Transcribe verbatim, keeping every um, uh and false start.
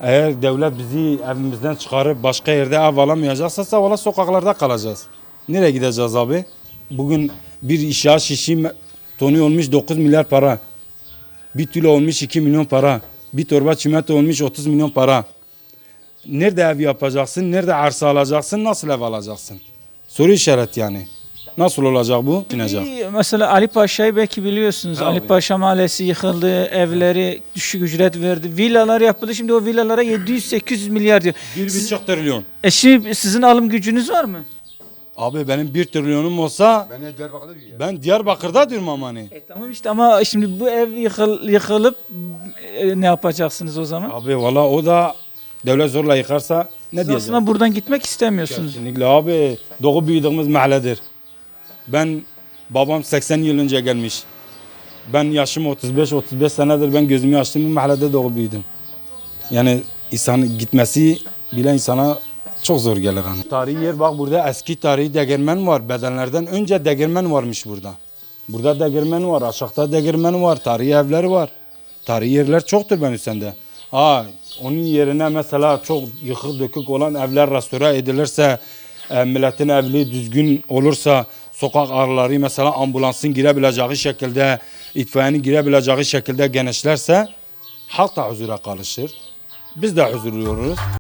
Eğer devlet bizi evimizden çıkarıp başka yerde ev alamayacaksa valla sokaklarda kalacağız. Nereye gideceğiz abi? Bugün bir inşaat şişi tonu olmuş dokuz milyar para. Bir kilo olmuş iki milyon para. Bir torba çimento olmuş otuz milyon para. Nerede ev yapacaksın? Nerede arsa alacaksın? Nasıl ev alacaksın? Soru işareti yani. Nasıl olacak bu? Inecek. Bir, mesela Ali Paşa'yı belki biliyorsunuz. Tabii. Ali Paşa Mahallesi yıkıldı, evleri düşük ücret verdi. Villalar yapıldı. Şimdi o villalara yedi yüz sekiz yüz milyar diyor. Bir buçuk trilyon. E şimdi sizin alım gücünüz var mı? Abi benim bir trilyonum olsa Ben de Diyarbakır'da diyor ya. ben Diyarbakır'da diyorum ama hani. E tamam işte ama şimdi bu ev yıkıl, yıkılıp e, ne yapacaksınız o zaman? Abi valla o da devlet zorla yıkarsa ne Siz diyeceğiz? aslında buradan gitmek istemiyorsunuz. Kesinlikle abi. Doğu büyüdüğümüz mahalledir. Ben babam seksen yıl önce gelmiş. Ben yaşım otuz beş otuz beş senedir ben gözümü açtım bu mahallede doğup büyüdüm. Yani insan gitmesi bile insana çok zor gelir hani. Tarihi yer bak burada eski tarihi degermen var. Bedenlerden önce degermen varmış burada. Burada degermen var, aşağıda degermen var, tarihi evler var. Tarihi yerler çoktur ben üstünde. Ha, onun yerine mesela çok yıkık dökük olan evler restore edilirse, e, milletin evli düzgün olursa, sokak araları mesela ambulansın girebileceği şekilde, itfaiyenin girebileceği şekilde genişlerse halk da huzura kavuşur. Biz de huzurluyoruz.